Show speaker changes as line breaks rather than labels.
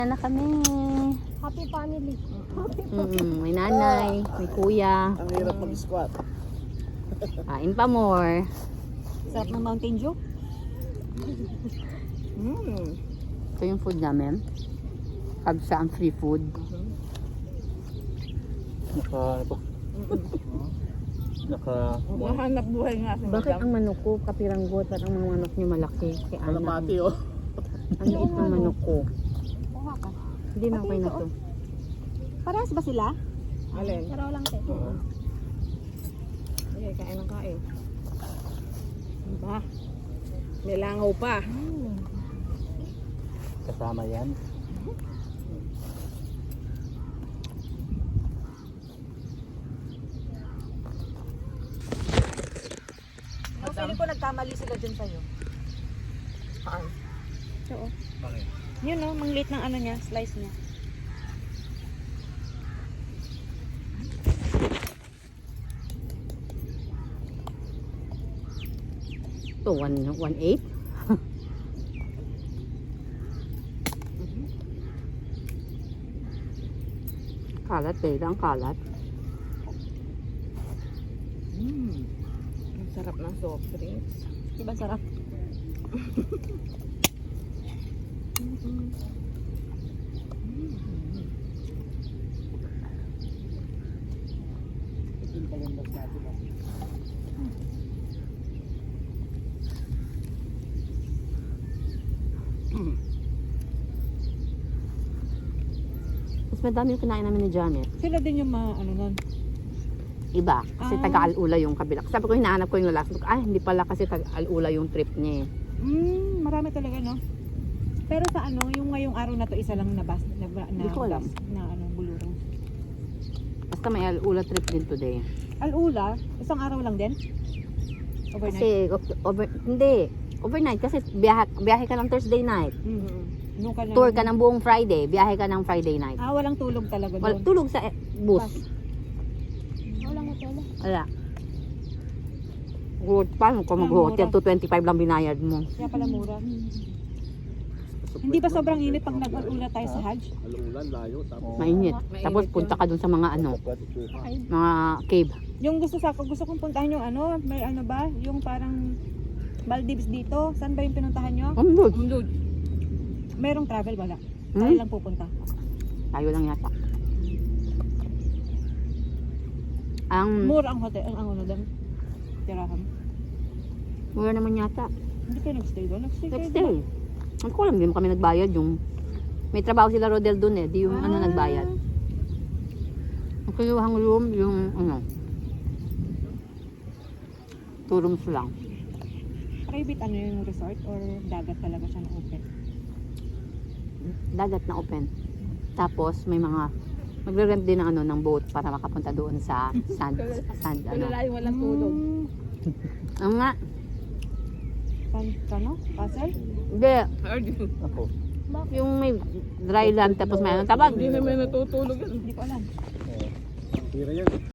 Na kami.
Happy family.
May nanay, may kuya.
Ang hirap mag-squat.
Kain pa more.
Sarap ng Mountain Dew.
Ito yung food namin. Kabsa ang free food.
Mahanap buhay nga si
Bakit ang manok ko kapiranggot at ang mga manok niyo malaki? Si Ana.
Kalapati oh.
Ang liit ng manok ko.
Kuha ka.
Hindi na okay na to.
Parehas ba sila?
Alin?
Pero lang te.
Okay, kain ng kain. Ba? May langaw pa.
Kasama yan.
Ang feeling ko nagkamali sila dyan sa'yo.
Saan?
Oo.
Bakit?
Yun no, mangliit ng ano niya, slice niya.
Ito, 1.8. Kalat, babe. Ang kalat.
Ang sarap ng soft drinks.
Diba sarap?
Mas madami yung kinain namin ni Janet.
Sila din yung ano nun.
Iba. Kasi
Ah.
taga-alula yung kabila. Sabi ko, hinahanap ko yung lalaki. Sabi ko, ay, hindi pala kasi taga-alula yung trip niya eh.
Marami talaga no. Pero sa ano, yung ngayong araw na to isa lang na bus,
Hindi ko alam.
na ano, bulurong.
Basta may alula trip din today.
Alula, isang araw lang din? Overnight?
Kasi, hindi. Overnight. Kasi biyahe ka ng Thursday night.
Nung ka na,
Tour ka ng buong Friday. Biyahe ka ng Friday night.
walang tulog talaga
Wala,
doon.
tulog sa bus.
Walang hotel.
Wala. Good. Paano kung mag-hotel? 225 lang binayad mo.
Kaya pala mura. Hindi ba sobrang init pag nag-alula tayo sa Hajj?
Alulan, layo. Tapos
Mainit. Tapos punta ka dun sa mga mga cave.
Yung gusto kong puntahan yung ano, may ano ba? Yung parang Maldives dito. Saan ba yung pinuntahan nyo?
Good.
Merong travel wala. Tayo lang pupunta.
Tayo lang yata. Ang
Mura ang hotel, ang ano doon. Tirahan.
mura naman yata.
Hindi kayo nag-stay doon? Nag-stay kayo
Next
doon?
day. Hindi ko alam, hindi mo kami nagbayad yung may trabaho sila Rodel dun eh, di yung ano nagbayad. Ang kinuhang room, yung ano, 2 rooms lang.
Private ano yung resort or dagat talaga siya na open?
Dagat na open. Tapos may mga magre-rent din ng ano ng boat para makapunta doon sa sand ano.
walang tulog.
Ang nga,
Ano? Castle?
hindi,
Ako.
yung may dry land tapos may ano tabag.
Hindi naman natutulog yan.
Hindi ko alam.
Tira yan.